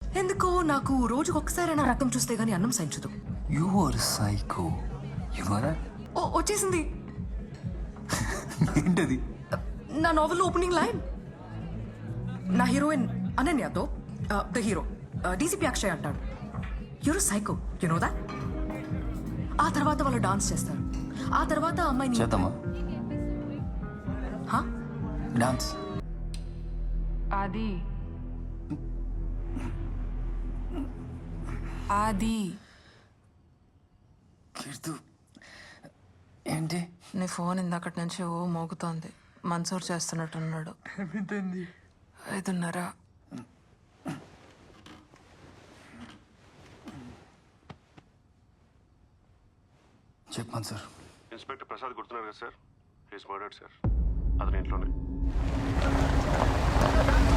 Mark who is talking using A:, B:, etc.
A: ఎందుకో నాకు రోజుకు ఒక్కసారైనా రక్తం చూస్తే గానీ అన్నం సహించదు.
B: You are psycho. You know that?
A: ఓ వచ్చేసింది
B: ఏంటది?
A: నా నావెల్ ఓపెనింగ్ లైన్. నా హీరోయిన్ అనన్యతో ద హీరో డీసీపీ అక్షయ్ అంటాడు, you're psycho, you know that? ఆ తర్వాత వాళ్ళు డాన్స్ చేస్తారు. ఆ తర్వాత అమ్మాయిని
B: చేద్దామా డాన్స్?
A: ఆది ఆది
B: కీర్తు ఏంటి?
A: నీ ఫోన్ ఇందాకటి నుంచి ఓ మోగుతోంది. మన్సూర్ చేస్తున్నట్టున్నాడు. 5:30.
B: చెప్పాను సార్.
C: ఇన్స్పెక్టర్ ప్రసాద్ గుర్తున్నారు కదా సార్? He's murdered sir. అతని ఇంట్లోనే.